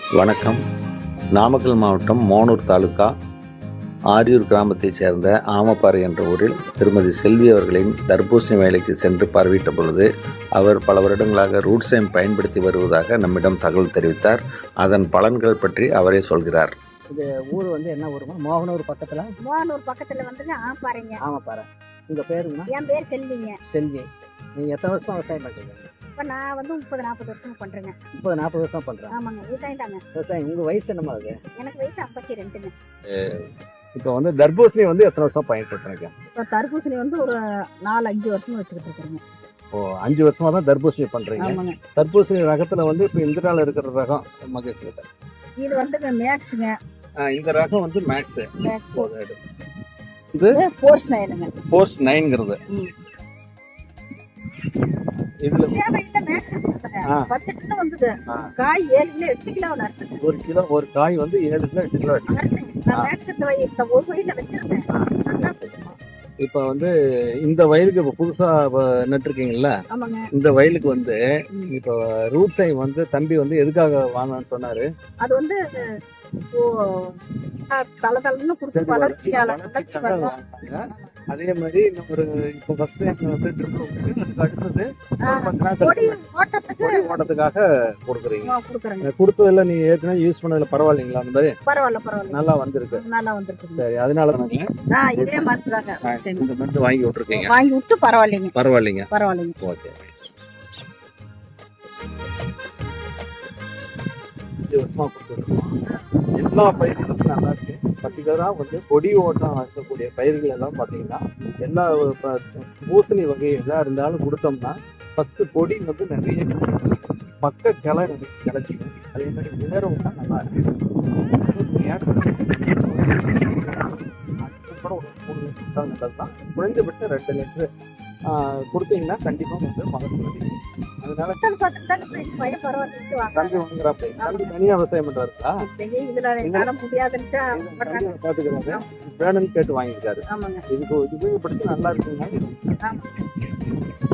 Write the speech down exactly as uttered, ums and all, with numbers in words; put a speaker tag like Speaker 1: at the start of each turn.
Speaker 1: வணக்கம். நாமக்கல் மாவட்டம் மோனூர் தாலுகா ஆரியூர் கிராமத்தைச் சேர்ந்த ஆமப்பாறை என்ற ஊரில் திருமதி செல்வி அவர்களின் தர்பூசணி வேலைக்கு சென்று பார்வையிட்ட பொழுது அவர் பல வருடங்களாக ரூட்ஸைம் பயன்படுத்தி வருவதாக நம்மிடம் தகவல் தெரிவித்தார். அதன் பலன்கள் பற்றி அவரே சொல்கிறார்.
Speaker 2: இது ஊர் வந்து என்ன ஊருமா? மோகனூர் பக்கத்தில்.
Speaker 3: மோகனூர் பக்கத்தில் வந்துங்க ஆமப்பாறைங்க.
Speaker 2: ஆமப்பாறை. உங்கள் பேருங்கண்ணா?
Speaker 3: என் பேர் செல்விங்க.
Speaker 2: செல்வி. நீங்கள் எத்தனை வருஷமா விவசாயம் பண்ணுறீங்க?
Speaker 3: இப்போ நான் வந்து முப்பது நாற்பது வருஷம் பண்ணுறேங்க.
Speaker 2: முப்பது நாற்பது வருஷம் பண்ணுறேன்.
Speaker 3: ஆமாங்க, விவசாயம் தாங்க.
Speaker 2: விவசாயம். உங்கள் வயசு என்னமா அது?
Speaker 3: எனக்கு வயசு ஐம்பத்தி ரெண்டுங்க.
Speaker 2: இப்போ வந்து தர்பூசணி வந்து எத்தனை வருஷம் பயன்படுத்துறீங்க?
Speaker 3: இப்போ தர்பூசணி வந்து ஒரு நாலு அஞ்சு வருஷம் வச்சுக்கிட்டு இருக்கிறேங்க.
Speaker 2: ஓ, அஞ்சு வருஷமா தான் தர்பூசணி பண்ணுறீங்க.
Speaker 3: ஆமாங்க.
Speaker 2: தர்பூசணி ரகத்தில் வந்து இப்போ இந்த நாள் இருக்கிற ரகம் மகிழ்ச்சி.
Speaker 3: இது வந்துங்க மேக்ஸுங்க.
Speaker 2: இந்த ரகம் வந்து மேக்ஸு.
Speaker 3: மேக்ஸ்
Speaker 2: இது
Speaker 3: ஃபோர்ஸ் நைனுங்க.
Speaker 2: ஃபோர்ஸ் நைன்ங்கிறது. இதுல
Speaker 3: மேக்ஸ் பத்து கிலோ வந்தது. காய் ஏழு கிலோ எட்டு கிலோ நட்டுது.
Speaker 2: ஒரு கிலோ ஒரு காய் வந்து ஏழு கிலோ எட்டு கிலோ
Speaker 3: நான் மேக்ஸ் இந்த ஒரு வயல வச்சிருக்கேன்.
Speaker 2: இப்போ வந்து இந்த வயலுக்கு இப்போ புதுசாக நட்டுருக்கீங்கல்ல,
Speaker 3: ஆமாங்க.
Speaker 2: இந்த வயலுக்கு வந்து இப்போ ரூட் சைம் வந்து தம்பி வந்து எதுக்காக வாங்கன்னு சொன்னாரு?
Speaker 3: அது வந்து தலை தலைன்னு கொடுத்து வளர்ச்சியால
Speaker 2: அதே மாதிரி ஒரு இப்போ ஃபர்ஸ்ட் டைம் வந்து ட்ரிப் அடுத்தது ஓட்டத்துக்காக கொடுக்குறீங்க. கொடுத்ததில்ல நீ ஏற்கனவே யூஸ் பண்ணதுல பரவாயில்லைங்களா? அந்த மாதிரி
Speaker 3: பரவாயில்ல பரவாயில்ல
Speaker 2: நல்லா வந்திருக்கு.
Speaker 3: நல்லா வந்திருக்கு.
Speaker 2: சரி, அதனால
Speaker 3: தான் இதே மருந்து தாங்க
Speaker 2: இந்த மருந்து வாங்கி விட்டுருக்கீங்க.
Speaker 3: வாங்கி விட்டு பரவாயில்லைங்க
Speaker 2: பரவாயில்லைங்க
Speaker 3: பரவாயில்லைங்க.
Speaker 2: ஓகே. வருஷமா கொடுத்துருக்கோம். எல்லா பயிர்களும் நல்லா இருக்கு. பர்டிகுலராக வந்து கொடி ஓட்டம் இருக்கக்கூடிய பயிர்கள் எல்லாம் பார்த்தீங்கன்னா எல்லா பூசணி வகை எதாக இருந்தாலும் கொடுத்தோம்னா ஃபஸ்ட்டு கொடி வந்து நிறைய பக்க கிளை கிளச்சிக்கும். அதே மாதிரி விளரும் தான் நல்லா இருக்கு. நல்லது தான். குறைஞ்சபட்சம் ரெண்டு லிட்டரு கொடுத்தீங்கன்னா கண்டிப்பாக வந்து மகசூல். அதனால தம்பி வாங்குறாப்ப தம்பி தனியாக விவசாயம் பண்றாருங்களா? பாத்துக்கிறாரு. வேணும்னு கேட்டு வாங்கியிருக்காரு. இதுக்கு உபயோகப்படுத்தி நல்லா இருக்குங்க.